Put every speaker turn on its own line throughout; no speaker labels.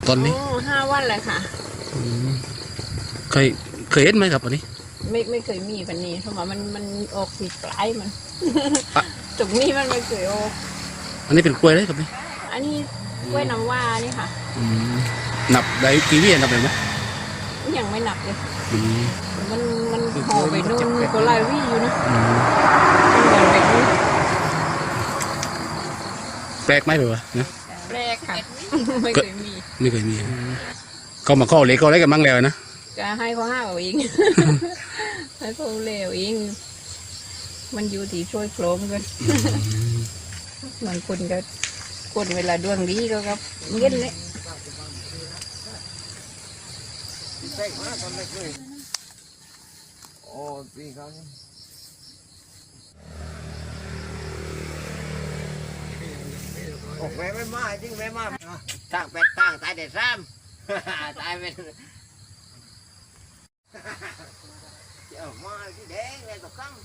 ตอนนี้
5 วันเลยค่ะ
อืมเคยเห็นไหมครับอันนี้
ไม่เคยมีแบบนี้เพราะว่ามันออกสีปลายมัน
อะ
ตรงนี้มันไม่เคยออก
อันนี้เป็นกล้วยเลยครับนี่
อันนี้กล้วยน้ำว้านี่ค่ะ
อืมนับได้กี่วินับได้ไหม
ยังไม่หนักเลย
อืม
มันห่อไปนู่นก็หลายวี่อยู่นะ
อืม
มันเหมือนแบบนี้
แปลกไหมแบบว่านะ
แรกค่ะ ไม่เคยมี
ไม่เคยมีเขามาข้อเล็กเขาอะไรกันบ้างแล้วนะ
จะให้เขาห้าเอาเอง ให้เขาเลวเองมันอยู่ที่ช่วยโครมกันบางคนก็คนเวลาดวงดีก็ครับเงี้ยเลย
โอ้ตีเขาโอ้แม่ไม่มาจริงแม่มาตั้งเป็ดตั้งตายเด็ดซ้ำตายเป็นเจ้ามาที่แดงเลยตกกั้ง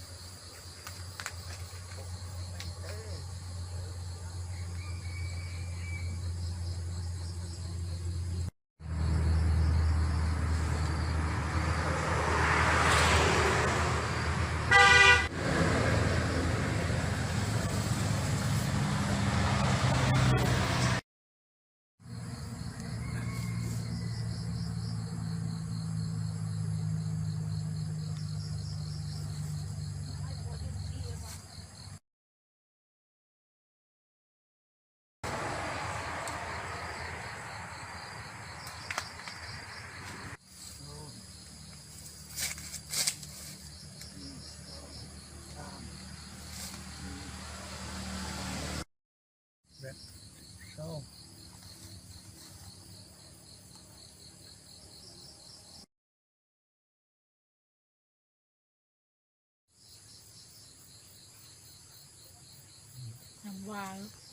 น้ำวาง